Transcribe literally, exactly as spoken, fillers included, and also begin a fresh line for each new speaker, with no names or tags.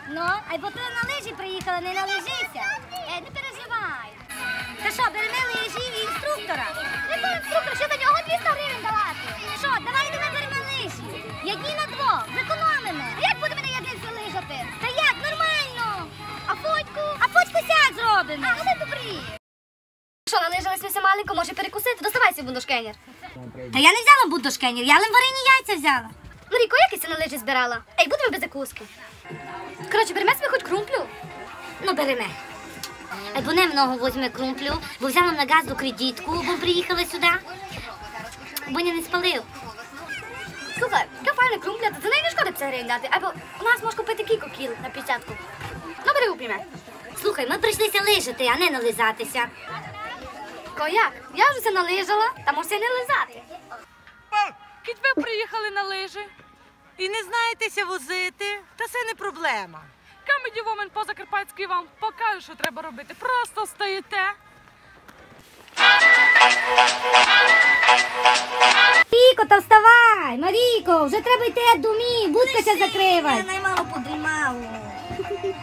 Ну, а й бо ти на лижі приїхала, не на лижися. Е, не переживай. Та що, беремо лижі і інструктора? Якого інструктора? Що за нього двісті гривень давати? Що, давай йдемо беремо лижі. Ядні на двох, зекономимо. Як будемо на ядниці лижати? Та як, нормально. А фотьку? А фотьку сяк зробимо. А, вони добрі. Що, налижились все маленько, може перекусити? Доставайся, бундошкенер. Та я не взяла бундошкенер, я лимварині яйця взяла. Марійко, як ти на лижі збирала? Ей, будемо без закуски. Коротше, беремо собі хоч крумплю? Ну, беремо. Ей, бо не много візьме крумплю, бо взяла на газду кредитку, бо приїхала сюди. Бо я не спалив. Слухай, яка файна крумпля, то за неї не шкода п'ятдесят гривень дати. Або у нас можеш купити кілька кіл на п'ятдесятку. Ну, бери упряме. Слухай, ми прийшлися лижати, а не нализатися. Ко як? Я вже все налижала, та можеш не лизати.
Кіть ви приїхали на лижі.
І не знаєтеся возити, та це не проблема.
Камеді Woman по-закарпатськи вам покаже, що треба робити. Просто стоїте.
Марійко, та вставай! Марійко, вже треба йти до домів, будка ся закривай. Я наймало подрімало.